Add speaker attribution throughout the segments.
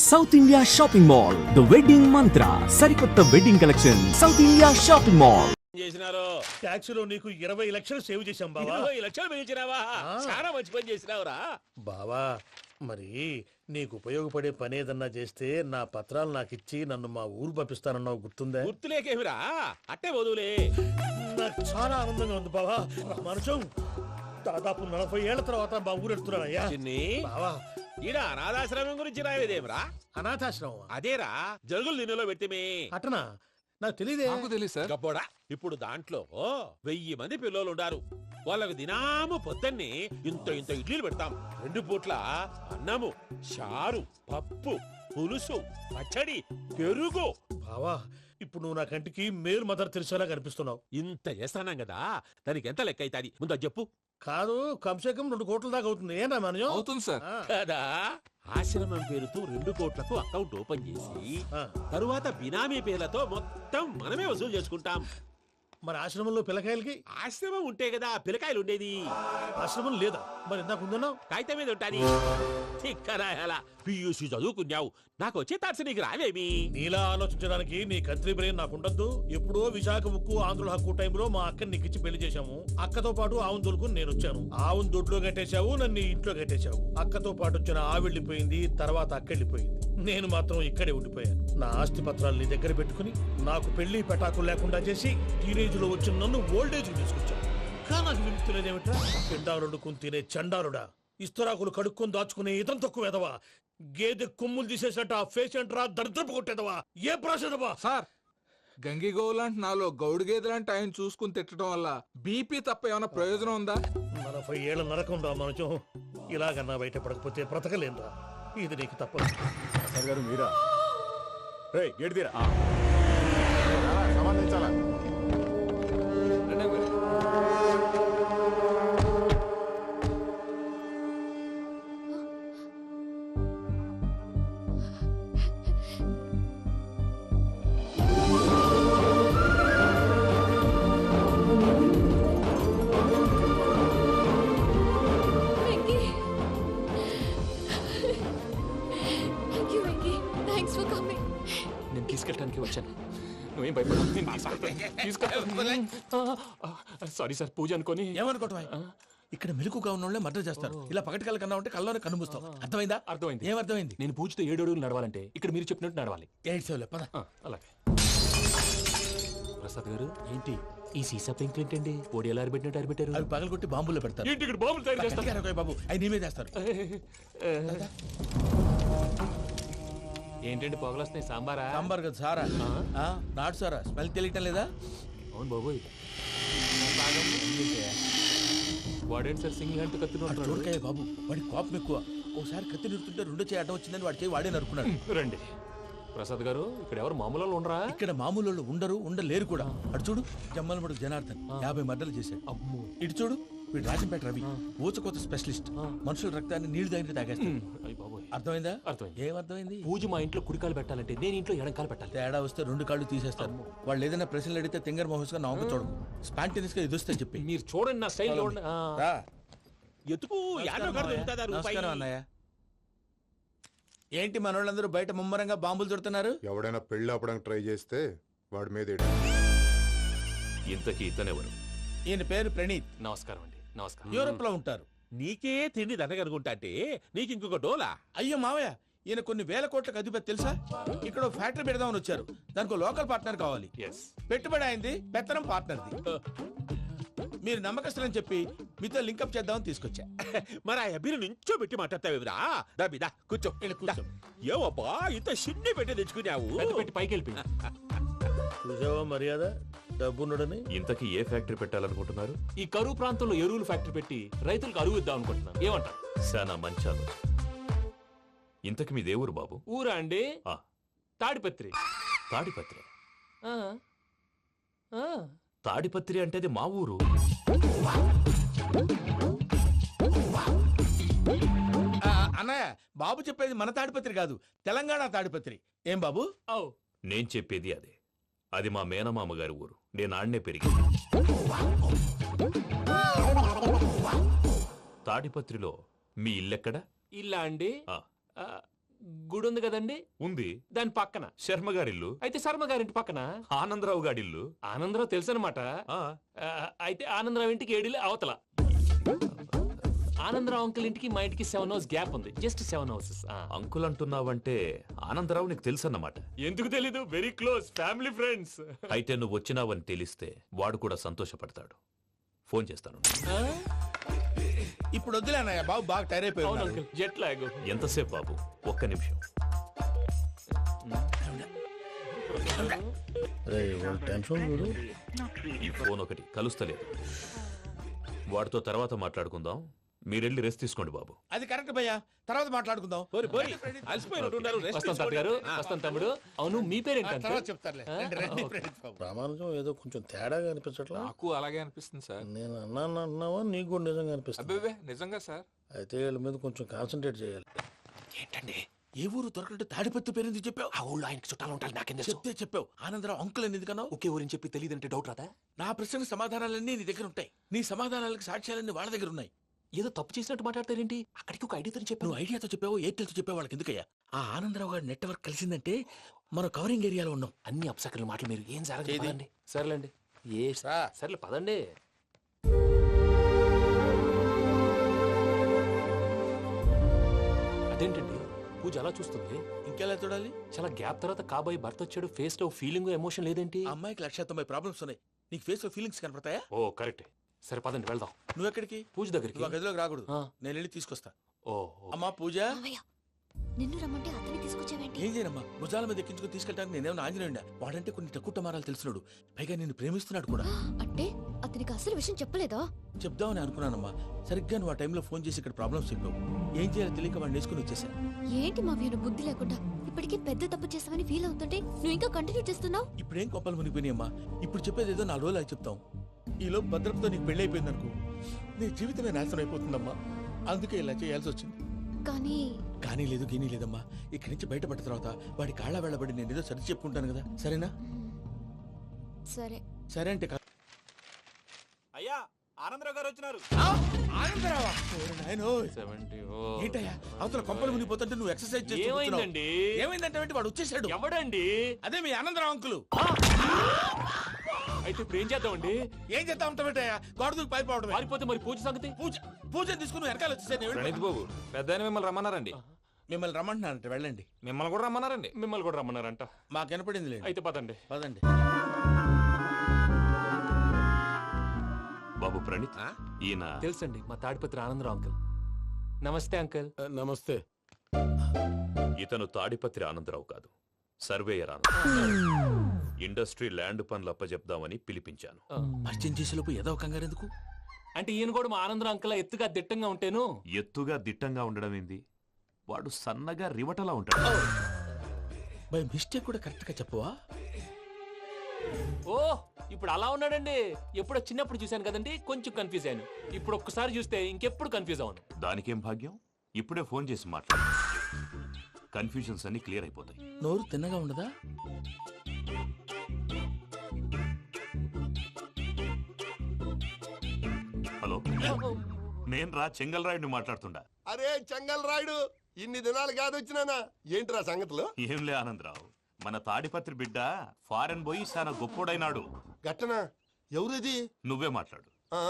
Speaker 1: South India shopping mall the wedding Mantra సరికొత్త wedding collection south India shopping mall
Speaker 2: చేసినారు.
Speaker 3: Tax లో నీకు 20 లక్షలు సేవ్ చేశాం బావా.
Speaker 2: 20 లక్షలు మిగిల్చినావా? చాలా మంచి పని చేసినావురా
Speaker 3: బావా. మరి నీకు ఉపయోగపడే పని ఏదన్నా చేస్తే నా పత్రాలు నాకు ఇచ్చి నన్ను మా ఊరు పంపిస్తానన్నావు, గుర్తుందా?
Speaker 2: గుర్తులేకేమిరా, అట్టే వదులే.
Speaker 3: నాకు చాలా ఆనందంగా ఉంది బావా. మనుషం దాదాపు 40 ఏళ్ల తర్వాత మా ఊరు ఎడుతున్నానయ్యా.
Speaker 2: చిన్ని
Speaker 3: బావా,
Speaker 2: ఈడ అనాథాశ్రమం గురించి రాయలేదేమిరా?
Speaker 3: అనాథాశ్రమం
Speaker 2: అదేరా, జరుగులు దీనిలో పెట్టిమే.
Speaker 3: అటనా? నాకు తెలియదే.
Speaker 4: నాకు తెలియదు సార్.
Speaker 2: గబ్బోడా, ఇప్పుడు దాంట్లో 1000 మంది పిల్లలు ఉండారు. వాళ్ళకు దినాము పొద్దున్నే ఇంత ఇంత ఇడ్లీలు పెడతాం. 2 పూట్ల అన్నము, చారు, పప్పు, పులుసు, పచ్చడి, పెరుగు.
Speaker 3: బావా, ఇప్పుడు నువ్వు నా కంటికి మేరు మదర్ తెలిసేలా కనిపిస్తున్నావు.
Speaker 2: ఇంత చేస్తానం కదా, దానికి ఎంత లెక్క అవుతుంది ముందు అది చెప్పు.
Speaker 3: కాదు, కంసే కం 2 కోట్ల దాకా అవుతుంది. ఏనా మనజం?
Speaker 4: అవుతుంది సార్.
Speaker 2: కదా, ఆశ్రమం పేరుతో 2 కోట్లకు అకౌంట్ ఓపెన్ చేసి తరువాత బినామీ పేర్లతో మొత్తం మనమే వసూలు చేసుకుంటాం.
Speaker 3: మరి ఆశ్రమంలో పిల్లకాయలకి?
Speaker 2: ఆశ్రమం ఉంటే కదా పిల్లకాయలు ఉండేది.
Speaker 3: ఆశ్రమం లేదా? మరి ఇందాక ఉందన్నావు.
Speaker 2: కాగితం మీద ఉంటాది. తిక్కరాయాలా, పియూసీ చదువుకున్నావు, నాకు వచ్చే తాట్స్ నీకు రావేమి?
Speaker 3: నీలా ఆలోచించడానికి నీ కంట్రీ బ్రెయిన్ నాకు ఉండద్దు. ఎప్పుడో విశాఖ ఉక్కు ఆంధ్రుల హక్కు టైంలో మా అక్కని నీకిచ్చి పెళ్లి చేశాము. అక్కతో పాటు ఆవును దొడుకుని నేను వచ్చాను. ఆవును దొడ్లో కట్టేశావు, నన్ను ఇంట్లో కట్టేశావు. అక్కతో పాటు వచ్చిన ఆవిళ్ళిపోయింది, తర్వాత అక్కెళ్ళిపోయింది. నేను మాత్రం ఇక్కడే ఉండిపోయాను. నా ఆస్తి పత్రాలు నీ దగ్గర పెట్టుకుని నాకు పెళ్లి పెటాకులు లేకుండా చేసి టీనేజ్ లో వచ్చిన నన్ను ఓల్డేజ్ తీసుకొచ్చాను. కానీ నాకు విముక్తి లేదేమిట్రా? పిండారుడుకుని తినే చండారుడా, ఇస్తరాకులు కడుక్కొని దాచుకునే ఇతం తక్కువ ఎదవా, గేదె కొమ్ములు తీసేసట పేషెంట్ రా, దరిద్రపు కొట్టేదవా, ఏ ప్రాసెదవా?
Speaker 4: సార్, గంగిగోవు లాంటి నాలో గౌడు గేదె లాంటి ఆయన చూసుకుని తిట్టడం వల్ల బీపీ తప్ప ఏమైనా ప్రయోజనం ఉందా?
Speaker 3: 40 ఏళ్ల నరకం రా మనచం. ఇలాగన్నా బయట పడకపోతే బ్రతకలేనురా. ఇది నీకు తప్పదు.
Speaker 5: గారు మీరా? గేట్ తీరా, సంబంధించాలా?
Speaker 6: నేను తీసుకెళ్ళడానికి వచ్చాను. నువ్వేం భయపడదు. సారీ సార్, పూజ అనుకోని.
Speaker 7: ఏమనుకోవటం? ఇక్కడ మెలకుగా ఉన్న వాళ్ళే మర్డర్ చేస్తారు. ఇలా పగటి కళ్ళ కన్నా ఉంటే కళ్ళలోనే కనుమూస్తావు. అర్థమైందా?
Speaker 6: అర్థమైంది.
Speaker 7: ఏమర్థమైంది?
Speaker 6: నేను పూజతో 7 అడుగులు నడవాలంటే ఇక్కడ మీరు చెప్పినట్టు నడవాలి.
Speaker 7: 8 పద.
Speaker 6: అలాగే. ప్రసాద్ గారు, ఏంటి ఈ సీసా పెంకులు ఏంటండి? ఓడి ఎలా అరబెట్టినట్టు అరబెట్టారు?
Speaker 7: అవి పగలగొట్టి బాంబులో పెడతారు.
Speaker 6: ఏంటి ఇక్కడ బాంబులు తయారు చేస్తారు?
Speaker 7: గట్టిగా బాబు, అవి నేమే చేస్తారు.
Speaker 6: ఏంటండి పొగలొస్తున్నాయి? సాంబారా?
Speaker 7: సాంబార్ కదా సారా. నాటు సారా. స్మెల్ తెలియటం లేదా?
Speaker 6: అవును బాబోయ్. వాడేంటి సార్ సింగిల్ హ్యాండ్ కత్తిని?
Speaker 7: చూడకాయ బాబు, వాడి కోపం ఎక్కువ. ఒకసారి కత్తి నిరుతుంటే 2 చేయి అడ్డం వచ్చిందని వాడి చేయి వాడే నరుకున్నాడు.
Speaker 6: రండి ప్రసాద్ గారు, ఇక్కడ ఎవరు మామూలు వాళ్ళు ఉండరా?
Speaker 7: ఇక్కడ మామూలు వాళ్ళు ఉండరు, ఉండలేరు కూడా. అటు చూడు, జమ్మలమడు జనార్దన్ 50 మర్డర్లు చేశాడు.
Speaker 6: అమ్మో.
Speaker 7: ఇటు చూడు, వీడు రాజంపేట రవి ఊచకోత స్పెషలిస్ట్. మనుషుల రక్తాన్ని నీళ్లు దగ్గర తాగేస్తాడు. అర్థమైందా?
Speaker 6: అర్థమైంది.
Speaker 7: ఏమర్థమైంది?
Speaker 6: పూజ మా ఇంట్లో కుడికాలు పెట్టాలంటే నేను ఇంట్లో ఎడంకాలు పెట్టాలి.
Speaker 7: తేడా వస్తే 2 కాళ్ళు తీసేస్తారు. వాళ్ళు ఏదైనా ప్రశ్నలు అడిగితే తింగర్ మహోస్ గా నవ్వు చూడకు. స్పాంటేనియస్ గా ఎదుస్తా చెప్పి.
Speaker 6: మీరు చూడండి నా స్టైల్ చూడండి.
Speaker 7: రా.
Speaker 2: ఎతుకు యాడో కాడ దొరుకుతుందా రూపాయి?
Speaker 7: నమస్కారం అన్నయ్య. ఏంటి మనోళ్ళందరూ బయట ముమ్మరంగా బాంబులు దొరుకుతున్నారు?
Speaker 5: ఎవడైనా పెళ్లి ఆపడానికి ట్రై చేస్తే వాడి మీద
Speaker 8: ఇంతకీ ఇతనెవరు?
Speaker 7: ఈయన పేరు ప్రణీత్.
Speaker 6: నమస్కారం అండి. నమస్కారం.
Speaker 7: యూరోప్ లో ఉంటారు.
Speaker 2: నీకే తిండి దండగనుకుంటా అంటే నీకు ఇంకొక డోలా?
Speaker 7: అయ్యో మావయ్య, ఈయన కొన్ని వేల కోట్లకు అధిపతి తెలుసా? ఇక్కడ ఫ్యాక్టరీ పెడదామని వచ్చారు. దానికి లోకల్ పార్ట్నర్ కావాలి. పెట్టుబడి అయింది, పెత్తనం పార్ట్నర్ది. మీరు నమ్మకస్తులని చెప్పి మీతో లింకప్ చేద్దామని తీసుకొచ్చా.
Speaker 2: మరి ఆ అబ్బిని నుంచో పెట్టి మాట్లాడతావేమిరా? దాబిదా కూర్చో. ఏవబ్బా ఇంత సిన్ని పెట్టి తెచ్చుకున్నావు?
Speaker 6: పెట్టి పైకి వెళ్ళిపోయి.
Speaker 3: చూసావా మర్యాద, డబ్బున్నడని.
Speaker 8: ఇంతకీ ఏ ఫ్యాక్టరీ పెట్టాలనుకుంటున్నారు?
Speaker 6: ఈ కరువు ప్రాంతంలో ఎరువులు ఫ్యాక్టరీ పెట్టి రైతులకు అరువు ఇద్దాం అనుకుంటున్నాను. ఏమంటారు?
Speaker 8: శానా మంచాలు. ఇంతకి మీ దేవురు బాబు?
Speaker 6: ఊరా అండి? తాడిపత్రి.
Speaker 8: తాడిపత్రి? తాడిపత్రి అంటే అది మా ఊరు.
Speaker 7: అన్నయ్య, బాబు చెప్పేది మన తాడిపత్రి కాదు, తెలంగాణ తాడిపత్రి. ఏం బాబు?
Speaker 8: నేను చెప్పేది అదే. అది మా మేనమామ గారి ఊరు. నేను ఆడనే పెరిగింది. తాడిపత్రిలో మీ ఇల్లెక్కడ?
Speaker 6: ఇల్లా అండి? గుడి ఉంది కదండి
Speaker 8: ఉంది.
Speaker 6: దాని పక్కన.
Speaker 8: శర్మ గారిల్లు.
Speaker 6: అయితే శర్మ గారింటి పక్కన.
Speaker 8: ఆనందరావు గారిల్లు.
Speaker 6: ఆనందరావు తెలుసు అనమాట.
Speaker 8: ఆ,
Speaker 6: అయితే ఆనందరావు ఇంటికి 7 అవతల. ఆనందరావు అంకుల్ ఇంటికి మా ఇంటికి 7 hours గ్యాప్ ఉంది. Just 7 houses.
Speaker 8: అంకుల్ అంటున్నావంటే ఆనందరావు నీకు తెలుసన్నమాట.
Speaker 6: ఎందుకు తెలీదు? Very close family friends.
Speaker 8: అయితే నువ్వు వచ్చినావని తెలిస్తే వాడు కూడా సంతోషపడతాడు. ఫోన్ చేస్తాను.
Speaker 7: ఇప్పుడు వద్దులే అన్నయ్య, బాబు బాగా టైర్ అయిపోయి
Speaker 6: అవును
Speaker 7: ఉన్నాడు.
Speaker 6: Uncle, jet lag.
Speaker 8: ఎంతసేపు బాబు? ఒక్క నిమిషం. ఈ ఫోన్ ఒకటి కలుస్తలేదు. వాడితో తర్వాత మాట్లాడుకుందాం. మీరెళ్ళి రెస్ట్ తీసుకోండి బాబు.
Speaker 7: అది కరెక్ట్ భయ్యా, తర్వాత మాట్లాడుకుందాం.
Speaker 2: పోరి అలసిపోయినట్టున్నారు. rest
Speaker 6: వస్తాం తాత గారు, వస్తాం తమ్ముడు. అవును మీ పేరేంటి
Speaker 7: తర్వాత
Speaker 6: అంకుల్?
Speaker 7: చెప్తారులే. రండి, ప్రణీత్ బాబు.
Speaker 9: ప్రామాణికం ఏదో కొంచెం తేడాగా అనిపించట్లా.
Speaker 4: నాకు అలాగే అనిపిస్తుంది సార్.
Speaker 9: నేను అన్నాను అంటున్నావా, నీకు కూడా నిజంగా అనిపిస్తుంది.
Speaker 4: అబ్బే నిజంగా సార్.
Speaker 9: అయితే వీళ్ళ మీద కొంచెం కాన్సన్ట్రేట్ చేయాలి.
Speaker 6: ఏంటండి
Speaker 7: ఏ ఊరు దొరకట్టు తాడిపత్రి పేరు ఎందుకు చెప్పావు?
Speaker 6: ఆ ఊళ్ళో ఆయనకి చుట్టాలు ఉంటారు, నాకేం తెలుసు?
Speaker 7: చెప్తే చెప్పావు. ఆనందరావు అంకుల్ అని ఎందుకన్నావు?
Speaker 6: ఒకే ఊరిని చెప్పి తెలియదంటే డౌట్ రాదా?
Speaker 7: నా ప్రశ్నకు సమాధానాలన్నీ నీ దగ్గర ఉంటాయి. నీ సమాధానాలకు సాక్ష్యాలన్నీ వాళ్ళ దగ్గర ఉన్నాయి.
Speaker 6: ఏదో తప్పు చేసినట్టు మాట్లాడతారేంటి? అక్కడికి ఒక ఐడియాతో చెప్పాను.
Speaker 7: నువ్వు ఐడియాతో చెప్పావు, ఎయిర్టెల్తో చెప్పావు, వాళ్ళకి ఎందుకయ్యా? ఆ ఆనందరావు గారి నెట్వర్క్ కలిసిందంటే మనం కవరింగ్ ఏరియాలో ఉన్నాం.
Speaker 6: అన్ని అప్సకర్ల మాటలు మీరు ఏం
Speaker 7: ఏది?
Speaker 6: జరగదండి. సర్లేండి. సర్లే పదండి. అదేంటండి పూజ అలా చూస్తుంది?
Speaker 7: ఇంకెలా చూడాలి?
Speaker 6: చాలా గ్యాప్ తర్వాత కాబోయే భర్త వచ్చాడు. ఫేస్ లో ఫీలింగ్ ఎమోషన్ లేదేంటి?
Speaker 7: ఆ అమ్మాయికి 190 ప్రాబ్లమ్స్ ఉన్నాయి. నీకు ఫేస్ లో ఫీలింగ్స్ కనపడతాయా?
Speaker 6: ఓ కరెక్ట్. సరే పదండి వెళ్దాం.
Speaker 7: నువ్వు ఎక్కడికి?
Speaker 6: పూజ దగ్గరికి.
Speaker 7: నువ్వు ఆ గదిలోకి రాకూడదు.
Speaker 6: ఆ.
Speaker 7: నేను వెళ్ళి తీసుకొస్తా.
Speaker 6: ఓ
Speaker 7: అమ్మా పూజ,
Speaker 10: మావయ్య, నిన్ను రమ్మంటే అతన్ని తీసుకొచ్చావేంటి?
Speaker 7: ఏం చేయనమ్మా? భుజాల మీద ఎక్కించుకుని తీసుకెళ్ళడానికి నేనేమన్నా ఆంజనేయుడా? వాడంటే కొన్ని తక్కువ టమారాలు తెలిసినాడు. పైగా నిన్ను ప్రేమిస్తున్నాడు కూడా.
Speaker 10: అంటే అతనికి అసలు విషయం చెప్పలేదా?
Speaker 7: చెప్దామని అనుకున్నానమ్మా. సరిగ్గా నువ్వు ఆ టైంలో ఫోన్ చేసి ఇక్కడ ప్రాబ్లమ్స్ చెప్పావు. ఏం చేయాలో తెలియక వాడిని వేసుకుని వచ్చేసా.
Speaker 10: ఏంటి మావయ్య నువ్వు బుద్ధి లేకుండా ఇప్పటికీ పెద్ద తప్పు చేసావని ఫీల్ అవుతుంటే నువ్వు ఇంకా కంటిన్యూ చేస్తున్నావు?
Speaker 7: ఇప్పుడేం కొప్పలు మునిగిపోయినాయమ్మా. ఇప్పుడు చెప్పేది ఏదో 4 రోజులు చెప్తాం. ఈలో భద్రతతో నీకు పెళ్లి అయిపోయింది అనుకో, నీ జీవితమే నాశనం అయిపోతుందమ్మా. అందుకే ఇలా చేయాల్సి వచ్చింది.
Speaker 10: కానీ
Speaker 7: లేదు గీనీ లేదమ్మా. ఇక్కడి నుంచి బయటపడ్డ తర్వాత వాడి కాళ్ళ వెళ్ళబడి నేను ఏదో సరి చెప్పుకుంటాను కదా. సరేనా?
Speaker 10: సరే.
Speaker 7: సరే అంటే
Speaker 8: అయ్యా ఆనందరావు గారు వచ్చినారు.
Speaker 7: ఆనందరావా? ఓరి నాయనోయ్.
Speaker 6: 70.
Speaker 7: ఏంటయ్యా అవతల కొంపలు మునిగిపోతుంటే నువ్వు ఎక్సర్సైజ్ చేస్తూ కూర్చున్నావు.
Speaker 6: ఏమైందండి?
Speaker 7: ఏమైందంటే వాడు వచ్చేసాడు.
Speaker 6: ఎవడండి?
Speaker 7: అదే మీ ఆనందరావు అంకులు.
Speaker 6: అయితే ఇప్పుడు ఏం చేద్దామండి?
Speaker 7: ఏం చేస్తా ఉంటావేటయ్యా? గోడ దూకి పైపోవడమే.
Speaker 6: పారిపోతే మరి పూజ సంగతి?
Speaker 7: పూజను తీసుకుని వెనకాల వచ్చేసాను.
Speaker 4: ప్రణీత్ బాబు, పెద్ద మిమ్మల్ని రమ్మన్నారండి.
Speaker 7: మిమ్మల్ని రమ్మంటున్నానంట, వెళ్ళండి.
Speaker 4: మిమ్మల్ని కూడా రమ్మన్నారండి.
Speaker 6: మిమ్మల్ని కూడా రమ్మన్నారంట.
Speaker 7: మాకు వినపడింది లేదు.
Speaker 6: అయితే పదండి.
Speaker 7: పదండి.
Speaker 8: బాబు ప్రణీత్, ఈయన
Speaker 6: తెలుసండి మా తాడిపత్రి ఆనందరావు అంకుల్. నమస్తే అంకుల్.
Speaker 9: నమస్తే.
Speaker 8: ఇతను తాడిపత్రి ఆనందరావు కాదు, సర్వేయర్ ఆనందరావు. ఇండస్ట్రీ ల్యాండ్ పనులు అప్పజెప్దామని పిలిపించాను.
Speaker 7: పరిచయం చేసేలోపు ఏదో కంగారు ఎందుకు?
Speaker 6: అంటే ఈయన కూడా మా ఆనందరావు అంకుల్ ఎత్తుగా దిట్టంగా ఉంటేను.
Speaker 8: ఎత్తుగా దిట్టంగా ఉండడం ఏంది? వాడు సన్నగా రివటలా ఉంటాడు.
Speaker 7: బై మిస్టేక్ కూడా కరెక్ట్ గా చెప్పవా?
Speaker 6: ఓ ఇప్పుడు అలా ఉన్నాడండి. ఎప్పుడో చిన్నప్పుడు చూశాను కదండి, కొంచెం కన్ఫ్యూజ్ అయ్యాను. ఇప్పుడు ఒక్కసారి చూస్తే ఇంకెప్పుడు కన్ఫ్యూజ్ అవును.
Speaker 8: దానికేం భాగ్యం? ఇప్పుడే ఫోన్ చేసి మాట్లాడు. కన్ఫ్యూజన్స్ అన్ని క్లియర్ అయిపోతాయి.
Speaker 7: నోరు తిన్నగా ఉండదా?
Speaker 8: హలో, నేను రా చెంగల్రాయుడిని మాట్లాడుతుండా.
Speaker 11: అరే చెంగల్ రాయుడు, ఇన్ని దినాలు కాదు వచ్చినానా? ఏంట్రా సంగతులు?
Speaker 8: ఏంలే ఆనందరావు, మన తాడిపత్రి బిడ్డ ఫారెన్ పోయి చాలా గొప్పోడైనాడు.
Speaker 11: గట్టనా? ఎవరిది?
Speaker 8: నువ్వే మాట్లాడు.
Speaker 11: ఆ,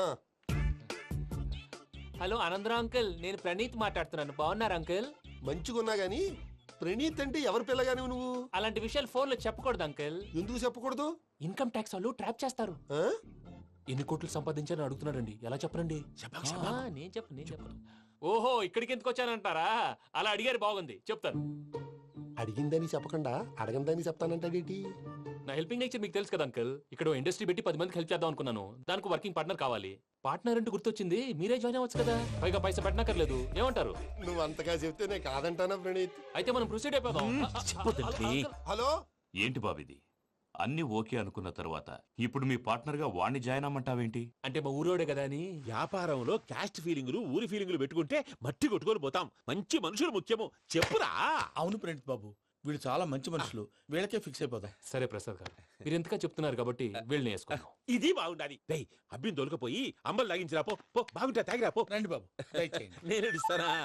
Speaker 6: హలో ఆనందరావు అంకుల్, నేను ప్రణీత్ మాట్లాడుతున్నాను. బాగున్నారు అంకుల్?
Speaker 11: మంచిగున్నా గాని ప్రణీత్ అంటే ఎవరి పిల్లగాని నువ్వు?
Speaker 6: అలాంటి విషయాలు ఫోన్ లో చెప్పకూడదు అంకుల్.
Speaker 11: ఎందుకు చెప్పకూడదు?
Speaker 6: ఇన్కమ్ ట్యాక్స్ వాళ్ళు ట్రాప్ చేస్తారు.
Speaker 11: ఆ?
Speaker 6: ఎన్ని కోట్లు సంపాదించాలని అడుగుతున్నారండి. ఎలా చెప్పరండి? నేను చెప్పను. ఓహో ఇక్కడికి ఎందుకు వచ్చానంటారా? అలా అడిగారు, బాగుంది, చెప్తాను.
Speaker 11: అడిగిందని చెప్పకుండా అడగందని చెప్తానంటాడేటి?
Speaker 6: నా హెల్పింగ్ నేచర్ మీకు తెలుసు కదా అంకుల్. ఇక్కడ ఇండస్ట్రీ పెట్టి 10 మందికి హెల్ప్ చేద్దాం అనుకున్నాను. దానికి వర్కింగ్ పార్ట్నర్ కావాలి. పార్ట్నర్ అంటే గుర్తొచ్చింది, మీరే జాయిన్ అవ్వచ్చు కదా. పైగా పైసా పెట్టనక్కర్లేదు. ఏమంటారు?
Speaker 11: నువ్వు అంతగా చెప్తే నేను కాదంటానా ప్రణీత్?
Speaker 6: అయితే మనం ప్రొసీడ్ అయిపోదాం.
Speaker 11: హలో,
Speaker 8: ఏంటి బాబిది? అన్ని ఓకే అనుకున్న తర్వాత ఇప్పుడు మీ పార్ట్నర్ గా వాణ్ణి జాయిన్ అమ్మంటావేంటి?
Speaker 6: అంటే మా ఊరోడే కదా అని.
Speaker 2: వ్యాపారంలో క్యాస్ట్ ఫీలింగులు, ఊరి ఫీలింగులు పెట్టుకుంటే మట్టి కొట్టుకొని పోతాం. మంచి మనుషులు ముఖ్యము. చెప్పురా.
Speaker 7: అవును ప్రణీత్ బాబు, వీళ్ళు చాలా మంచి మనుషులు. వీళ్ళకే ఫిక్స్ అయిపోదాం.
Speaker 6: సరే ప్రసాద్ గారు, మీరు ఎంతగా చెప్తున్నారు కాబట్టి వీళ్ళని వేసుకుందాం.
Speaker 2: ఇది బాగుండాలి. డై అబ్బిని దొలకపోయి అంబలు లాగించిరా పో. పో బాగుంటా తాగిరా పో.
Speaker 7: రండి బాబు, దయచేయండి.
Speaker 2: నేను ఇస్తానా?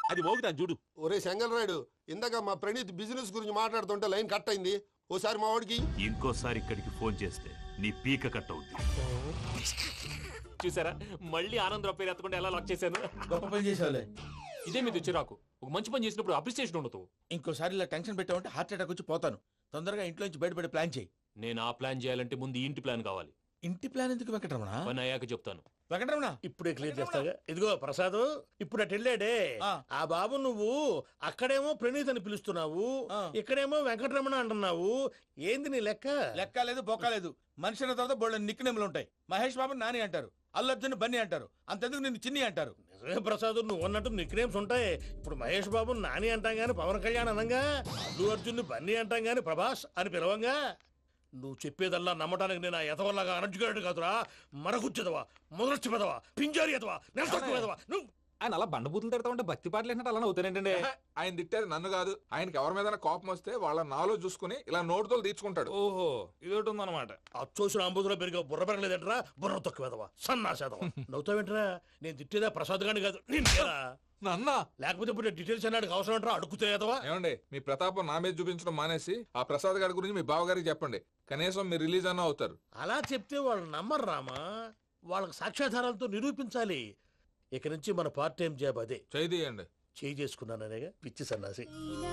Speaker 2: అది మోగుతాను చూడు.
Speaker 11: ఒరే చెంగల్ రాయుడు, ఇందాక మా ప్రణీత్ బిజినెస్ గురించి మాట్లాడుతుంటే లైన్ కట్ అయింది. ఓసారి మా వాడికి
Speaker 8: ఇంకోసారి ఇక్కడికి ఫోన్ చేస్తే నీ పీక కట్ అవుద్ది.
Speaker 6: చూసారా మళ్ళీ ఆనందరావు పేరు ఎత్తకుండా ఎలా లాక్ చేశాను.
Speaker 7: గొప్ప పని చేసావులే.
Speaker 6: ఇదే మీద చిరాకు. ఒక మంచి పని చేసినప్పుడు అప్రిసియేషన్ ఉండదు.
Speaker 7: ఇంకోసారి ఇలా టెన్షన్ పెట్టామంటే హార్ట్ అటాక్ వచ్చి పోతాను. తొందరగా ఇంట్లో నుంచి బయటపడే ప్లాన్ చేయి.
Speaker 6: నేను ఆ ప్లాన్ చేయాలంటే ముందు ఈ ఇంటి ప్లాన్ కావాలి.
Speaker 7: ఇంటి ప్లాన్ ఎందుకు వెంకటరమణ?
Speaker 6: పని అయ్యాక చెప్తాను.
Speaker 7: వెంకటరమణ
Speaker 9: ఇప్పుడే క్లియర్ చేస్తాగా. ఇదిగో ప్రసాద్, ఇప్పుడు అటు వెళ్ళాడే
Speaker 7: ఆ.
Speaker 9: ఆ బాబు, నువ్వు అక్కడేమో ప్రణీత్ అని పిలుస్తున్నావు,
Speaker 7: ఆ.
Speaker 9: ఇక్కడేమో వెంకటరమణ అంటున్నావు. ఏంది నీ లెక్క?
Speaker 7: లెక్క లేదు బొక్క లేదు. మనిషి అన్న తర్వాత బోళ్ళ నిక్ నేమ్లు ఉంటాయి. మహేష్ బాబు నాని అంటారు, అల్లు అర్జున్ బన్నీ అంటారు, అంతెందుకు నిన్ను చిన్ని అంటారు.
Speaker 9: నిజమే ప్రసాద్, నువ్వు అన్నట్టు నిక్ నేమ్స్ ఉంటాయి. ఇప్పుడు మహేష్ బాబు నాని అంటాం గాని పవన్ కళ్యాణ్ అనంగా, అల్లు అర్జున్ బన్నీ అంటాం గాని ప్రభాస్ అని పిలవంగా. నువ్వు చెప్పేదల్లా నమ్మటానికి నేను ఆ ఎతవల్లాగా అనర్జుకేటెడ్ కాదురా. మరగుచ్చదవా, మొదలచ్చి పెదవా, పింజారి ఎదవా, నెలసొక్కు పెదవా నువ్వు.
Speaker 4: ఆయన అలా బండబూతులు తిడతా ఉంటే భక్తి పాటలు ఏంటంటే అలా అవుతానంటే. ఆయన తిట్టేది నన్ను కాదు, ఆయనకి ఎవరి మీద కోపం వస్తే వాళ్ళ నాలో చూసుకుని ఇలా నోటుతో తీర్చుకుంటాడు.
Speaker 6: ఓహో ఇదొకటి ఉందన్నమాట.
Speaker 9: అచ్చోసిన అంబుధులో పెరిగే బుర్ర పెరగలేదంటరా, బుర్ర తొక్కువేదవా, సన్నాసేదవా. నవ్వుతావేంటరా? నేను తిట్టేదా ప్రసాద్ గాని కాదు, నిన్నేరా.
Speaker 4: నన్న
Speaker 9: లేకపోతే ఇప్పుడు డీటెయిల్స్ అన్నాడు అవసరం అంటారా? అడుగుతాయేదవా.
Speaker 4: ఏమండి, మీ ప్రతాపం నా మీద చూపించడం మానేసి ఆ ప్రసాద్ గారి గురించి మీ బావగారికి చెప్పండి. కనీసం మీరు రిలీజ్ అన్న అవుతారు.
Speaker 9: అలా చెప్తే వాళ్ళు నమ్మరు రామా. వాళ్ళకి సాక్ష్యాధారాలతో నిరూపించాలి. ఇక నుంచి మన పార్ట్ టైం జాబ్ అదే.
Speaker 4: చేయండి.
Speaker 9: చేయి చేసుకున్నాననేగా పిచ్చి సన్నాసి.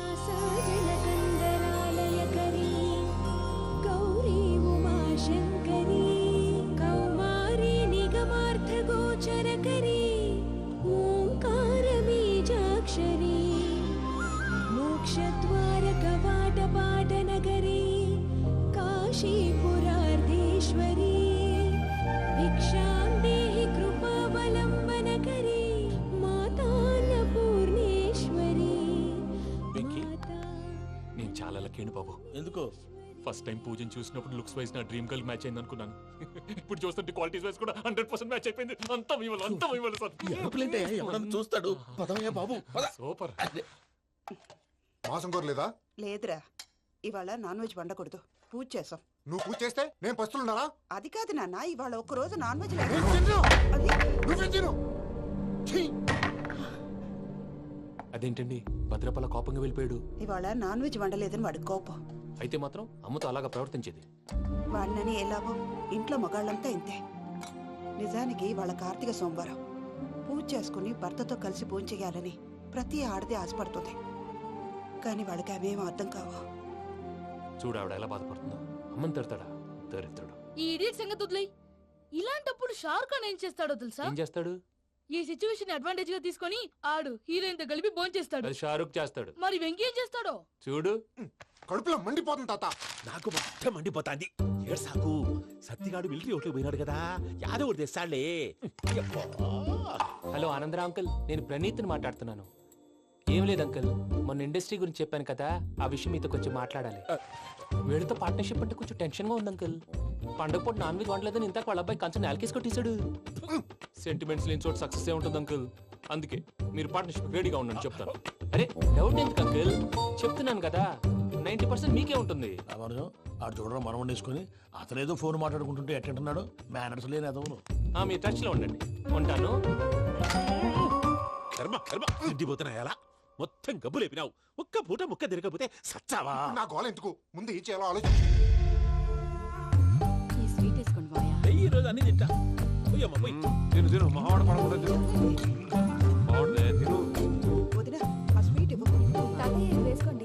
Speaker 12: కాశీపురార్ధేశ్వరీ భిక్షాం దేహి కృపావలంబనకరీ మాతాన్నపూర్ణేశ్వరీ.
Speaker 6: నేను చాలా లక్కీని బాబు.
Speaker 7: ఎందుకు?
Speaker 6: ఫస్ట్ టైం పూజను చూసినప్పుడు లుక్స్ వైజ్ నా డ్రీమ్ గర్ల్ మ్యాచ్ అయింది అనుకున్నాను. ఇప్పుడు చూస్తుంటే క్వాలిటీస్ వైజ్ కూడా 100% మ్యాచ్ అయిపోయింది. అంతా ఇవ్వాలి సార్.
Speaker 7: ఎవడన్నా చూస్తాడు. పదవయ్యా బాబు, పద.
Speaker 6: సూపర్.
Speaker 5: మాసం కోరలేదా?
Speaker 13: లేదురా, ఇవాళ నాన్ వెజ్ వండకూడదు. పూజ చేసాం.
Speaker 5: నువ్వు పూజ చేస్తే నేను పస్తులున్నారా?
Speaker 13: అది కాదు నాన్న, ఇవాళ ఒక రోజు నాన్ వెజ్
Speaker 6: అదేంటండి భద్రపల కోపంగా వెళ్ళిపోయాడు.
Speaker 13: ఇవాళ నాన్ వెజ్ వండలేదని వాడి కోపం.
Speaker 6: అయితే మాత్రం అమ్మతో అలాగా ప్రవర్తించేది.
Speaker 13: వాడినని ఎలాగో ఇంట్లో మగాళ్ళంతా ఇంతే. నిజానికి వాళ్ళ కార్తీక సోమవారం పూజ చేసుకుని భర్తతో కలిసి పూజ చేయాలని ప్రతి ఆడది ఆశపడుతుంది. కానీ వాళ్ళకి అవేం అర్థం కావు.
Speaker 6: చూడు ఆవిడ ఎలా బాధపడుతుందో. అమ్మని తిడతాడా దరిద్రుడు.
Speaker 12: ఈ ఇడియట్ సంగతి వదిలేయ్. ఇలాంటప్పుడు షారుఖ్ ఖాన్ ఏం చేస్తాడో తెలుసా?
Speaker 6: ఏం చేస్తాడు?
Speaker 12: ఈ సిచ్యువేషన్ అడ్వాంటేజ్ గా తీసుకొని ఆడు హీరోయిన్ తో కలిపి బోన్ చేస్తాడు.
Speaker 6: అది షారుఖ్ చేస్తాడు.
Speaker 12: మరి వెంకీ ఏం చేస్తాడో
Speaker 6: చూడు.
Speaker 5: కడుపులో మండిపోతుంది తాత.
Speaker 2: నాకు మొత్తం మండిపోతాంది. ఏడ్సాకు. సత్తిగాడు మిలిటరీ ఓట్లకు పోయినాడు కదా, యాదో ఒకటి తెస్తాడులే.
Speaker 6: హలో ఆనందరా అంకుల్, నేను ప్రణీత్ని మాట్లాడుతున్నాను. ఏం లేదు అంకుల్, మొన్న ఇండస్ట్రీ గురించి చెప్పాను కదా, ఆ విషయం మీతో కొంచెం మాట్లాడాలి. వీళ్ళతో పార్ట్నర్షిప్ అంటే కొంచెం టెన్షన్ గా ఉంది అంకుల్. పండగ పూట నాన్ వెజ్ వండలేదని ఇంతకు వాళ్ళ అబ్బాయి కంచెం నేలకేసి కొట్టేశాడు. సెంటిమెంట్స్ లేని చోట సక్సెస్ ఏ ఉంటుంది అంకుల్. అందుకే మీరు పార్ట్నర్షిప్ రెడీగా ఉండండి చెప్తాను. అరే డౌట్ ఎందుకు అంకుల్, చెప్తున్నాను కదా 90% మీకే ఉంటుంది.
Speaker 9: రామానుజం ఆడు చూడడం మనం వండేసుకొని అతనేదో ఫోన్ మాట్లాడుకుంటుంటే ఎట్టంటున్నాడు. మేనర్స్ లేని అదవును.
Speaker 6: మీ టచ్ లో ఉండండి. ఉంటాను.
Speaker 2: కర్మ కర్మ తిండిపోతున్నాయలా. మొత్తం గబ్బు లేపినావు. ఒక్క పూట ముక్క తిరగకపోతే సచ్చావా?
Speaker 5: నా గోల ఎందుకు, ముందు ఏం చేయాలో ఆలోచించు.
Speaker 12: ఈ స్వీట్ వేసుకోండి బాయా.
Speaker 2: ఈ రోజు అన్ని తింటా. పోయమ్మ పోయి.
Speaker 4: తిను మావాడు పడకుండా తిను.
Speaker 13: వదిన ఆ స్వీట్ ఇవ్వు.
Speaker 10: తాతయ్య వేసుకోండి.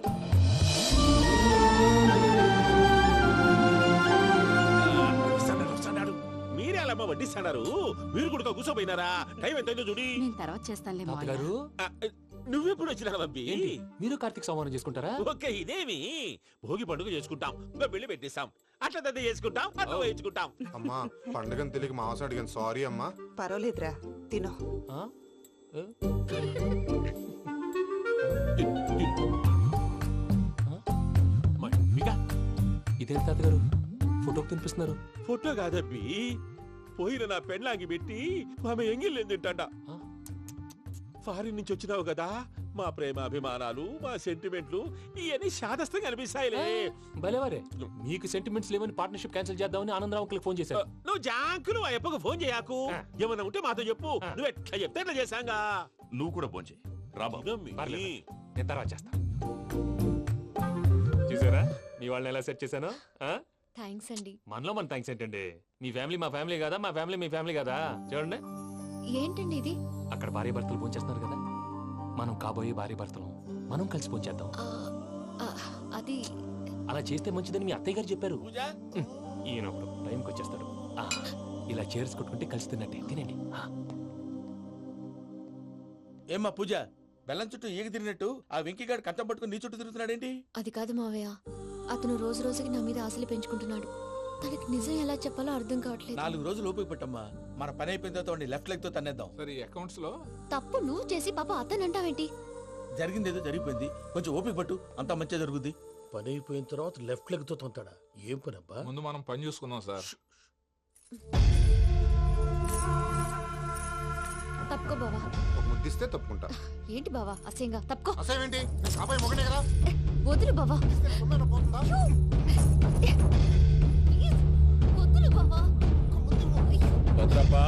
Speaker 2: వస్తాడు. మీరే అలా వడ్డిస్తాడారు. మీరు కూడా కూర్చోపోయినారా? టైం ఎంతైందో చూడి.
Speaker 12: నేను తర్వాత చేస్తానులే
Speaker 6: తాతగారు
Speaker 2: నువ్వెప్పుడు వచ్చినా అబ్బి?
Speaker 6: మీరు కార్తీక్ సంహారం చేసుకుంటారా?
Speaker 2: ఓకే, ఇదేమి భోగి పండుగ చేసుకుంటాం, ఇంకా పెళ్లి పెట్టేస్తాం, అట్లా దద్ద చేసుకుంటాం, అట్లా వేయించుకుంటాం.
Speaker 5: అమ్మా పండుగని తెలియక మాసం అడిగాను, సారీ అమ్మా.
Speaker 13: పర్వాలేదురా, తినో.
Speaker 6: ఇదేంటి తాతగారు ఫోటోకి తినిపిస్తున్నారు?
Speaker 2: ఫోటో కాదబ్బి, పోయిన నా పెళ్ళాంగి పెట్టి ఆమె ఎంగిల్లేం తింటాడ. ఫారిన్ నుంచి వచ్చినావు కదా, మా ప్రేమ అభిమానాలు, మా సెంటిమెంట్లు ఇవన్నీ శాదస్తంగా అనిపిస్తాయిలే.
Speaker 6: భలేవారే, మీకు సెంటిమెంట్స్ లేవని పార్ట్నర్షిప్ క్యాన్సిల్ చేద్దామని ఆనందరావు అంకుల్ ఫోన్ చేశారు.
Speaker 2: నువ్వు జాంకులు అయ్యప్పకు ఫోన్ చేయకు. ఏమన్నా ఉంటే మాతో చెప్పు. నువ్వు ఎట్లా చెప్తే ఎట్లా చేశాంగా.
Speaker 8: నువ్వు కూడా ఫోన్ చేయి. రా బాబు.
Speaker 6: పర్లేదు. నేను తర్వాత చేస్తా. చూసారా మీ వాళ్ళని ఎలా సెట్ చేశాను?
Speaker 10: థ్యాంక్స్ అండి.
Speaker 6: మనలో మన థ్యాంక్స్ ఏంటండి? మీ ఫ్యామిలీ మా ఫ్యామిలీ కదా, మా ఫ్యామిలీ మీ ఫ్యామిలీ కదా. చూడండి,
Speaker 10: ఏంటండి ఇది?
Speaker 6: అక్కడ భార్య భర్తలు పోంచేస్తున్నారు కదా, మనం కాబోయే భార్య భర్తలు మనం కలిసి పోంచేద్దాం.
Speaker 10: అది
Speaker 6: అలా చేస్తే మంచిదని మీ అత్తయ్య గారు చెప్పారు.
Speaker 7: పూజ
Speaker 6: ఈయన ఒకడు టైంకి వచ్చేస్తాడు. ఇలా చేర్స్ కొట్టుకుంటే కలిసి తిన్నట్టే. తినండి.
Speaker 7: ఏమ్మా పూజ, బెల్లం చుట్టూ ఈగ తిరిగినట్టు ఆ వెంకీగాడు కంచం పట్టుకుని నీ చుట్టూ తిరుగుతున్నాడేంటి?
Speaker 10: అది కాదు మావయ్య, అతను రోజు రోజుకి నా మీద ఆశలు పెంచుకుంటున్నాడు. తనకి నిజం ఎలా చెప్పాలో అర్థం కావట్లేదు.
Speaker 7: 4 రోజులు ఓపిక పట్టమ్మా, మన పని అయిపోయిన తర్వాత లెఫ్ట్ లెగ్ తో తన్నేద్దాం.
Speaker 4: సరే అకౌంట్స్ లో
Speaker 10: తప్పు నువ్వు చేసి పాప అతను అంటావేంటి?
Speaker 7: జరిగింది ఏదో జరిగిపోయింది, కొంచెం ఓపిక పట్టు, అంతా మంచిగా జరుగుద్ది.
Speaker 9: పని అయిపోయిన తర్వాత లెఫ్ట్ లెగ్ తో తొంతాడా? ఏం పని అబ్బా?
Speaker 4: ముందు మనం పని చూసుకుందాం సార్.
Speaker 10: తప్పుకో బావా.
Speaker 5: ఒక ముద్దిస్తే తప్పుకుంటా.
Speaker 10: ఏంటి బావా అసహ్యంగా? తప్పుకో.
Speaker 5: అసేమేంటి? కాబోయే మొగనే కదా.
Speaker 10: వదులు బావా.
Speaker 5: సొమ్మేనా పోతుందా?
Speaker 10: ప్లీజ్, వదులు బావా.
Speaker 2: భద్రప్ప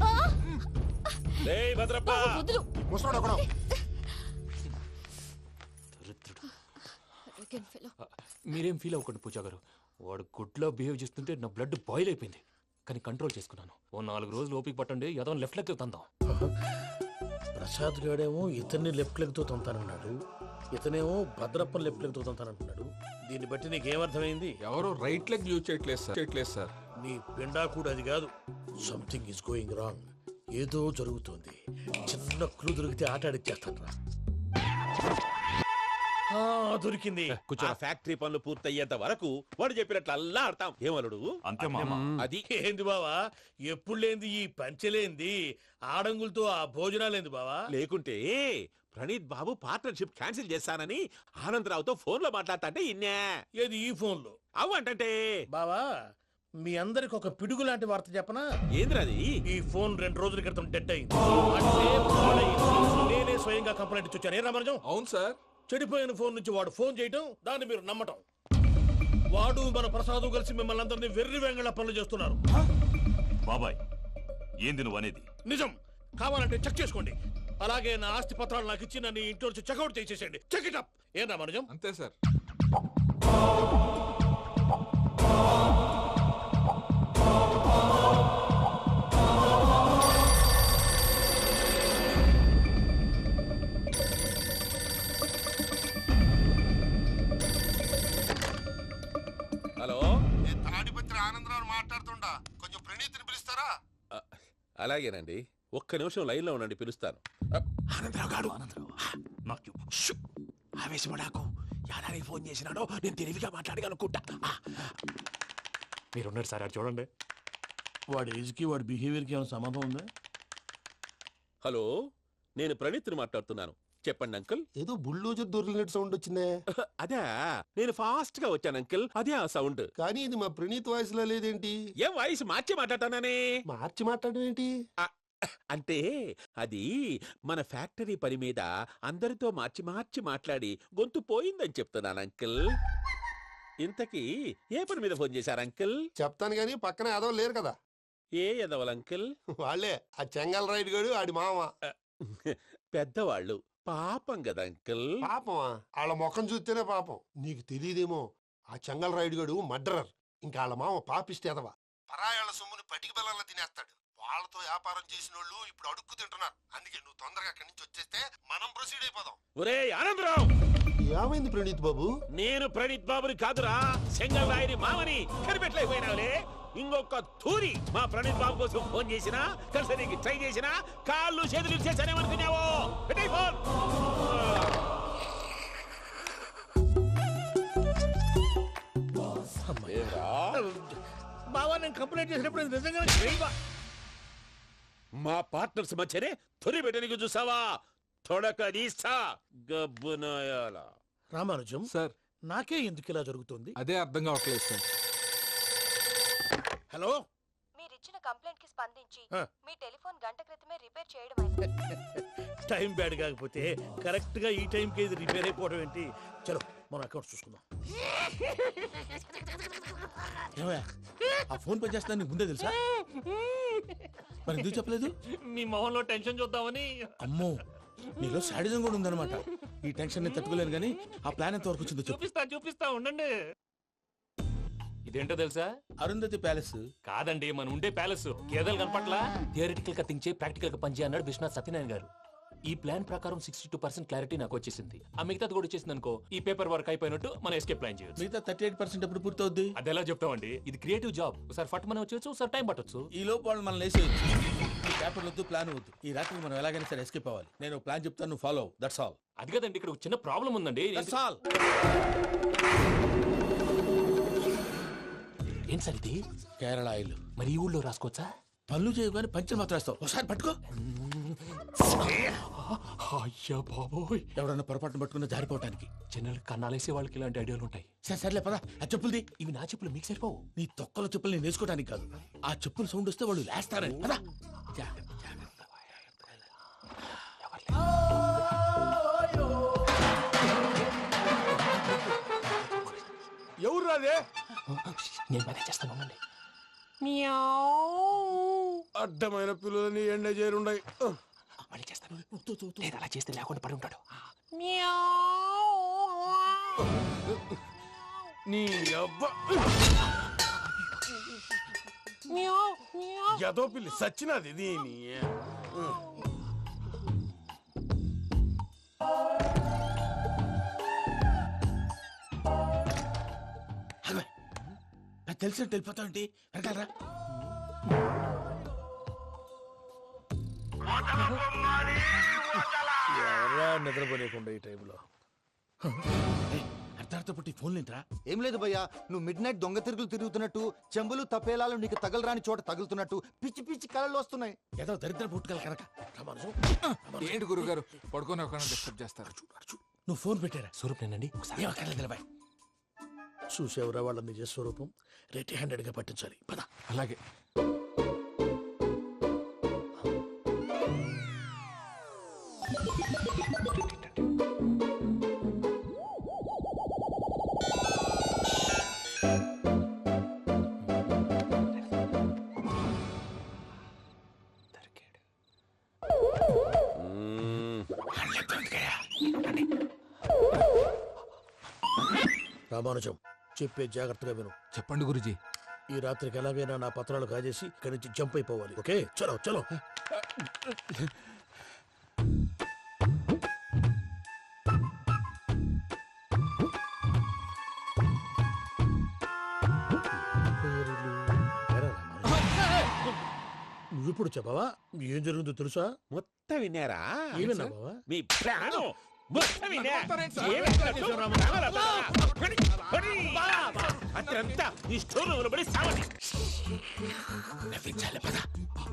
Speaker 2: రేయ్ భద్రప్ప,
Speaker 10: బావా, వదులు.
Speaker 5: ముసలోడు ఒకడు.
Speaker 10: Arrogant fellow.
Speaker 6: మీరేం ఫీల్ అవ్వకండి పూజా గారు. వాడు గుడ్లో బిహేవ్ చేస్తుంటే నా బ్లడ్ బాయిల్ అయిపోయింది, కానీ కంట్రోల్ చేసుకున్నాను. ఓ 4 రోజులు ఓపిక పట్టండి, ఏదో లెఫ్ట్ లెగ్ తందాం.
Speaker 9: ప్రసాద్ గాడేమో ఇతన్ని లెఫ్ట్ లెగ్ తో తొంతానన్నాడు, ఇతనేమో భద్రప్పని లెఫ్ట్ లెగ్ తో తొంతానంటున్నాడు. దీన్ని బట్టి నీకేమర్థమైంది?
Speaker 4: ఎవరు రైట్ లెగ్ యూజ్ చేయట్లేదు సార్.
Speaker 9: నీ పిండా కూడా అది కాదు. Something is going wrong. ఏదో జరుగుతోంది. చిన్న క్లూ దొరికితే ఆట ఆడిచ్చేస్తాను రా. దొరికింది.
Speaker 2: ఆ ఫ్యాక్టరీ పనులు పూర్తయ్యేంత వరకు వాడు చెప్పినట్లు అల్లా ఆడతాం. ఏమలుడు?
Speaker 8: అంతే మామ.
Speaker 2: అది
Speaker 9: ఏంది బావా, ఎప్పుడు లేంది ఈ పంచలేంది, ఆడంగులతో ఆ భోజనాలేంది బావా?
Speaker 2: లేకుంటే ప్రణీత్ బాబు పార్ట్నర్షిప్ క్యాన్సిల్ చేస్తానని ఆనందరావుతో ఫోన్ లో మాట్లాడతాంటే ఇన్నే.
Speaker 9: ఏది ఈ ఫోన్ లో?
Speaker 2: అవు అంటే
Speaker 9: బావా, మీ అందరికి ఒక పిడుగు లాంటి వార్త చెప్పనా?
Speaker 2: ఏంద్రది?
Speaker 9: ఈ ఫోన్ 2 రోజుల క్రితం డెడ్ అయింది. అంటే పాడైంది. నేనే స్వయంగా కంప్లైంట్ ఇచ్చి వచ్చాను. ఏ రామరాజం?
Speaker 4: అవును సార్.
Speaker 9: చెడిపోయిన ఫోన్ నుంచి వాడు ఫోన్ చేయటం, దాన్ని మీరు నమ్మటం. వాడు మన ప్రసాదు కలిసి మిమ్మల్ని అందరినీ వెర్రి వెంగళ పనులు చేస్తున్నారు.
Speaker 8: బాబాయ్, ఏంది నువ్వు అనేది?
Speaker 9: నిజం. కావాలంటే చెక్ చేసుకోండి. అలాగే నా ఆస్తి పత్రాలు నాకు ఇచ్చి నన్ను ఇంట్లో నుంచి చెక్అౌట్ చేసేసండి. Check it up. ఏం రామరాజం?
Speaker 4: అంతే సార్.
Speaker 2: హలో,
Speaker 11: నేను తాడిపత్రి ఆనందరావు మాట్లాడుతుండా, కొంచెం ప్రణీతిని పిలుస్తారా?
Speaker 2: అలాగేనండి, ఒక్క నిమిషం లైన్ లో ఉండండి, పిలుస్తాను.
Speaker 7: ఆనందరావు గాడు
Speaker 8: నాకు
Speaker 7: ఆవేశపడాకు. యాదానికి ఫోన్ చేసినాడో నేను తెలివిగా మాట్లాడగలనుకుంటా.
Speaker 6: మీరున్నారు సార్, అది చూడండి.
Speaker 9: వాడి ఏజ్కి వాడి బిహేవియర్కి ఏమైనా సంబంధం ఉందా?
Speaker 2: హలో, నేను ప్రణీత్ని మాట్లాడుతున్నాను. చెప్పండి అంకుల్.
Speaker 11: ఏదో బుల్డోజర్ దొరికినట్టు సౌండ్ వచ్చిందే.
Speaker 2: అదే, నేను ఫాస్ట్ గా వచ్చాను అంకుల్, అదే ఆ సౌండ్.
Speaker 11: కానీ ఇది మా ప్రణీత్ వాయిస్ లో లేదేంటి?
Speaker 2: ఏం వాయిస్ మార్చి మాట్లాడతాననే?
Speaker 11: మార్చి మాట్లాడడం ఏంటి?
Speaker 2: అంటే అది మన ఫ్యాక్టరీ పని మీద అందరితో మార్చి మార్చి మాట్లాడి గొంతు పోయిందని చెప్తున్నాను అంకుల్. ఇంతకీ ఏ పని మీద ఫోన్ చేశారు అంకుల్?
Speaker 11: చెప్తాను గానీ పక్కన ఏదో లేరు కదా.
Speaker 2: ఏ ఎదవలు అంకుల్?
Speaker 11: వాళ్ళే ఆ చెంగల్ రైడ్ గడు ఆడి మామ.
Speaker 2: పెద్దవాళ్ళు, పాపం కదా అంకుల్.
Speaker 11: పాపమా? వాళ్ళ ముఖం చూస్తేనే పాపం. నీకు తెలియదేమో, ఆ చెంగల్ రైడ్ గడు మర్డరర్. ఇంకా వాళ్ళ మామ పాపిస్తేదవా. పరాయాళ్ళ సొమ్ముని పటికి బెల్లంలో తినేస్తాడు. వాళ్ళతో వ్యాపారం చేసిన వాళ్ళు ఇప్పుడు అడుక్కు తింటున్నారు. అందుకే నువ్వు తొందరగా అక్కడి నుంచి వచ్చేస్తే మనం ప్రొసీడ్ అయిపోదాం.
Speaker 2: ఒరే ఆనందరావు!
Speaker 11: ఏమైంది ప్రణీత్ బాబు?
Speaker 2: నేను ప్రణీత్ బాబుని కాదురా, సెంగల్ రాయని మామని. కనిపెట్టలేకపోయినావులే. ఇంకొక తూరి మా ప్రణీత్ బాబు కోసం ఫోన్ చేసినా, కలిసి నీకు ట్రై చేసినా కాళ్ళు చేతులు ఇచ్చేసానేమనుకున్నావో? పెట్టేయ్ ఫోన్.
Speaker 9: బావా, నేను కంప్లైంట్ చేసినప్పుడు ఇది నిజంగా
Speaker 2: మా పార్ట్నర్స్ మధ్యనే తొలి పెట్టడానికి చూసావా? తొడక నీస్తా గబ్బునాయాల.
Speaker 9: రామానుజం
Speaker 4: సార్,
Speaker 9: నాకే ఎందుకు ఇలా జరుగుతుంది?
Speaker 4: అదే అర్థం కావట్లేదు సార్.
Speaker 9: హలో,
Speaker 14: మీరిచ్చిన కంప్లైంట్ కి స్పందించి మీ టెలిఫోన్ గంట క్రితమే రిపేర్ చేయడం
Speaker 9: టైం బ్యాడ్ కాకపోతే కరెక్ట్ గా ఈ టైం కి ఇది రిపేర్ అయిపోవడం ఏంటి? చలో మన అకౌంట్ చూసుకుందాం.
Speaker 7: ఆ ఫోన్ పని చేస్తున్నా నీకు ముందే తెలుసా? మరి ఎందుకు చెప్పలేదు?
Speaker 6: మీ మొహంలో టెన్షన్ చూద్దామని.
Speaker 7: అమ్మో, నీలో శాడిజం కూడా ఉందన్నమాట. ఈ టెన్షన్ ని తట్టుకోలేను కానీ ఆ ప్లాన్ ఎంత వరకు వచ్చిందో చెప్పు.
Speaker 6: చూపిస్తా ఉండండి. ఇదేంటో తెలుసా?
Speaker 7: అరుంధతి ప్యాలెస్
Speaker 6: కాదండి, మన ఉండే ప్యాలెస్. గేదెలు కనపట్లా? థియరిటికల్ గా థింక్ చేయి, ప్రాక్టికల్ గా పనిచేయి అన్నాడు విశ్వనాథ్ సత్యనారాయణ గారు. ఈ ప్లాన్ ప్రకారం 62% క్లారిటీ నాకు వచ్చేసింది. ఆ మిగతాది కూడా వచ్చేసింది అనుకో, ఈ పేపర్ వర్క్ అయిపోయినట్టు మనం ఎస్కేప్ ప్లాన్ చేయొచ్చు.
Speaker 7: మిగతా 38% ఎప్పుడు పూర్తవుద్ది?
Speaker 6: అది ఎలా చెప్తామండి? ఇది క్రియేటివ్ జాబ్. ఒకసారి ఫట్ మనం వచ్చేయచ్చు, ఒకసారి టైం పట్టొచ్చు.
Speaker 7: ఈ లోపు వాళ్ళు మనం లేసేయచ్చు. ఈ పేపర్ వద్దు, ప్లాన్ వద్దు. ఈ రాత్రికి మనం ఎలాగైనా సరే ఎస్కేప్ అవ్వాలి. నేను ప్లాన్ చెప్తాను, నువ్వు ఫాలో. That's all.
Speaker 6: అది కదండి, ఇక్కడ ఒక చిన్న ప్రాబ్లం ఉందండి.
Speaker 7: That's all.
Speaker 6: ఏం సార్ ఇది?
Speaker 7: కేరళ ఆయిల్.
Speaker 6: మరి ఈ ఊళ్ళో రాసుకోవచ్చా?
Speaker 7: పనులు చేయవు కానీ పంచర్ మాత్రం వేస్తావు. ఒకసారి పట్టుకో.
Speaker 6: అయ్యా బాబోయ్,
Speaker 7: ఎవడన్నా పొరపాటున పట్టుకున్న జారిపోవటానికి.
Speaker 6: జనరల్ కన్నాలేసే వాళ్ళకి ఇలాంటి ఐడియాలు ఉంటాయి.
Speaker 7: సర్లే పదా, ఆ చెప్పులది.
Speaker 6: ఇవి నా చెప్పులు, మీకు సరిపోవు.
Speaker 7: నీ తొక్కల చెప్పులు నేను వేసుకోవడానికి కాదు, ఆ చెప్పులు సౌండ్ వస్తే వాళ్ళు లేస్తారని. పదా.
Speaker 11: ఎవరు రాదే?
Speaker 6: నేను మేనేజ్ చేస్తాను, ఉండండి.
Speaker 11: అడ్డమైన పిల్లలని ఎండ చేరుండయి.
Speaker 6: మళ్ళీ చేస్తాను. లేదు, అలా చేస్తే లేకుండా పడి ఉంటాడు.
Speaker 11: నీ అబ్బ ఎదో పిల్లి సచ్చినది దీని.
Speaker 7: తెలిసినట్టు వెళ్ళిపోతావు ఏంటి? వెనకాలరా.
Speaker 9: ఎవరా నిద్రపోలేకుండా ఈ టైంలో?
Speaker 7: అర్ధార్థ పుట్టి ఫోన్ లేంట్రా.
Speaker 5: ఏం లేదు భయ్యా, నువ్వు మిడ్ నైట్ దొంగ తిరుగులు తిరుగుతున్నట్టు, చెంబులు తపేలాలు నీకు తగలరాని చోట తగులుతున్నట్టు పిచ్చి పిచ్చి కళలు వస్తున్నాయి.
Speaker 7: ఏదో దరిద్ర పుట్టుకల కనుక.
Speaker 4: ఏంటి గురుగారు పడుకొని ఒక డిస్టర్బ్ చేస్తారు?
Speaker 7: నువ్వు ఫోన్ పెట్టారా?
Speaker 6: స్వరూప్ నేనండి.
Speaker 7: నిలబాయ్.
Speaker 9: చూసేవరా వాళ్ళ నిజ స్వరూపం. రెట్టి హ్యాండెడ్ గా పట్టించాలి. పద.
Speaker 4: అలాగే.
Speaker 9: రామానుజం, చెప్పే జాగ్రత్తగా విను.
Speaker 4: చెప్పండి గురుజీ.
Speaker 9: ఈ రాత్రికి ఎలాగైనా నా పత్రాలు కాజేసి ఇక్కడి నుంచి జంప్ అయిపోవాలి. ఓకే, చలో చలో. నువ్విప్పుడు చెప్పవా ఏం జరుగుతుందో తెలుసా?
Speaker 2: మొత్తం విన్నారా?
Speaker 9: ఏమన్నా బావా?
Speaker 2: మీ ప్రాణం మొత్తం విన్నా. అత్యంతా ఈ స్టోర్ రూమ్ పడి సావండి.
Speaker 7: నవ్వించాలి. పద.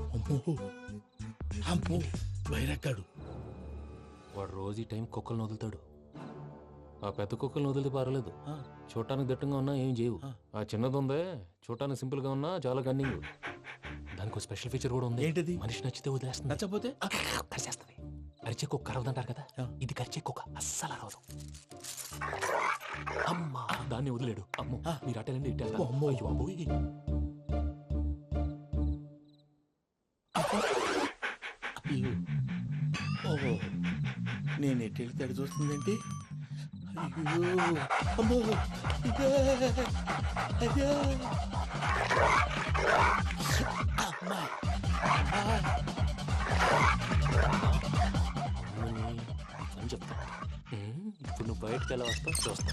Speaker 7: అమ్మో బైరక్కాడు.
Speaker 6: వాడు రోజు ఈ టైం కుక్కలను వదులుతాడు. ఆ పెద్ద కుక్కలను వదిలితే పర్వాలేదు, చూడటానికి దట్టంగా ఉన్నా ఏం చేయవు. ఆ చిన్నది ఉందే, చూడటానికి సింపుల్ గా ఉన్నా చాలా గన్నింగ్. దానికి స్పెషల్ ఫీచర్ కూడా ఉంది.
Speaker 7: ఏంటిది?
Speaker 6: మనిషి నచ్చితే వదిలేస్తుంది,
Speaker 7: నచ్చపోతే
Speaker 6: కరిచేస్తుంది. అరిచే కుక్క అరవదంటారు కదా, ఇది కరిచే కుక్క అస్సలు అరవదు. అమ్మా, దాన్ని వదిలేడు. అమ్మో, మీరు అటెండి ఇట్టే. అమ్మో, అయ్యో అమ్మోయ్.
Speaker 7: ఓహో, నేను ఎటు వెళ్తే అటు చూస్తుందేంటి? అయ్యో అమ్మో, అయ్యో అమ్మా.
Speaker 6: అని చెప్తా. ఇప్పుడు నువ్వు బయటకు ఎలా వస్తావు చూస్తా.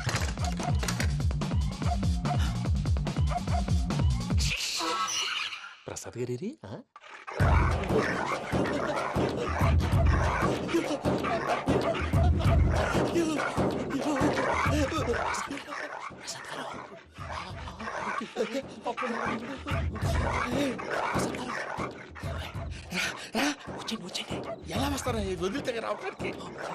Speaker 6: ప్రసాద్ గారి వచ్చేయండి.
Speaker 7: ఎలా వస్తారా? వదిలితే రావడానికి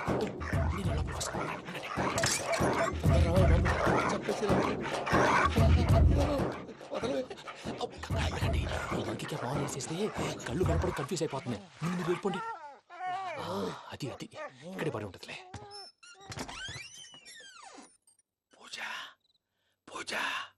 Speaker 6: ఫోన్ వేసేస్తే కళ్ళు కనపడి కన్ఫ్యూజ్ అయిపోతున్నాయి. మీరు వెళ్ళిపోండి. అది అది ఇక్కడే పడి ఉంటుందిలే.
Speaker 7: పూజ పూజ